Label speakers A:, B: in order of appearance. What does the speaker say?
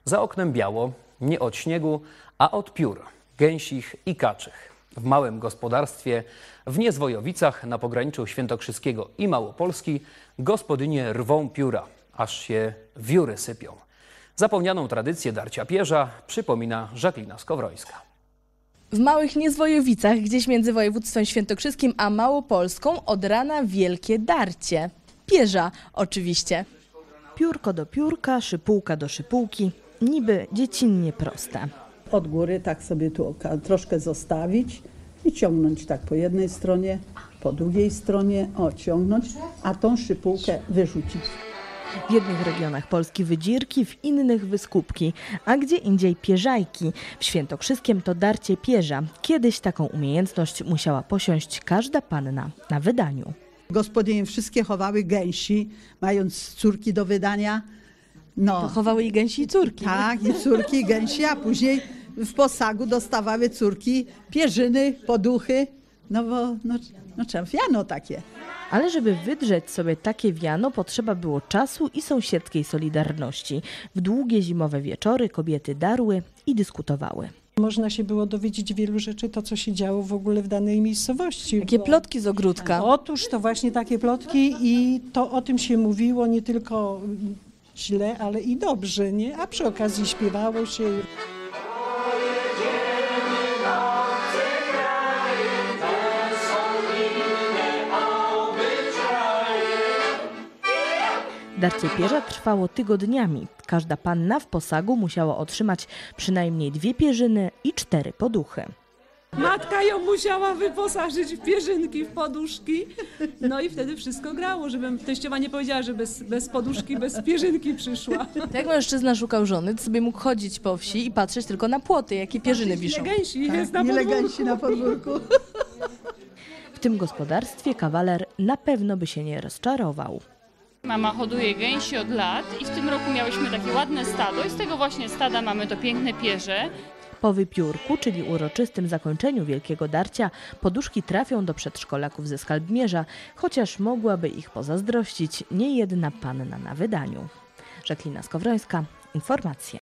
A: Za oknem biało, nie od śniegu, a od piór, gęsich i kaczych. W małym gospodarstwie w Niezwojowicach na pograniczu świętokrzyskiego i Małopolski gospodynie rwą pióra, aż się wióry sypią. Zapomnianą tradycję darcia pierza przypomina Żaklina Skowrońska.
B: W małych Niezwojowicach, gdzieś między województwem świętokrzyskim a Małopolską, od rana wielkie darcie. Pierza oczywiście.
C: Piórko do piórka, szypułka do szypułki. Niby dziecinnie proste.
D: Od góry tak sobie tu troszkę zostawić i ciągnąć tak po jednej stronie, po drugiej stronie, ciągnąć, a tą szypułkę wyrzucić.
C: W jednych regionach Polski wydzirki, w innych wyskubki, a gdzie indziej pierzajki. W Świętokrzyskiem to darcie pierza. Kiedyś taką umiejętność musiała posiąść każda panna na wydaniu.
D: Gospodynie wszystkie chowały gęsi, mając córki do wydania.
B: To chowały i gęsi i córki.
D: Tak, i córki, i gęsi, a później w posagu dostawały córki pierzyny, poduchy, no bo wiano takie.
C: Ale żeby wydrzeć sobie takie wiano, potrzeba było czasu i sąsiedzkiej solidarności. W długie zimowe wieczory kobiety darły i dyskutowały.
E: Można się było dowiedzieć wielu rzeczy, to co się działo w ogóle w danej miejscowości.
B: Jakie plotki z ogródka.
E: Otóż to właśnie takie plotki i to o tym się mówiło nie tylko źle, ale i dobrze, nie? A przy okazji śpiewało się.
C: Darcie pierza trwało tygodniami. Każda panna w posagu musiała otrzymać przynajmniej 2 pierzyny i 4 poduchy.
F: Matka ją musiała wyposażyć w pierzynki, w poduszki. No i wtedy wszystko grało, żeby teściowa nie powiedziała, że bez poduszki, bez pierzynki przyszła.
B: Jak mężczyzna szukał żony, to sobie mógł chodzić po wsi i patrzeć tylko na płoty, jakie pierzyny wiszą.
F: Ile gęsi jest na
D: Ile
F: podwórku.
D: gęsi na podwórku.
C: W tym gospodarstwie kawaler na pewno by się nie rozczarował.
G: Mama hoduje gęsi od lat i w tym roku miałyśmy takie ładne stado i z tego właśnie stada mamy to piękne pierze.
C: Po wypiórku, czyli uroczystym zakończeniu wielkiego darcia, poduszki trafią do przedszkolaków ze Skalbmierza, chociaż mogłaby ich pozazdrościć niejedna panna na wydaniu. Żaklina Skowrońska, informacje.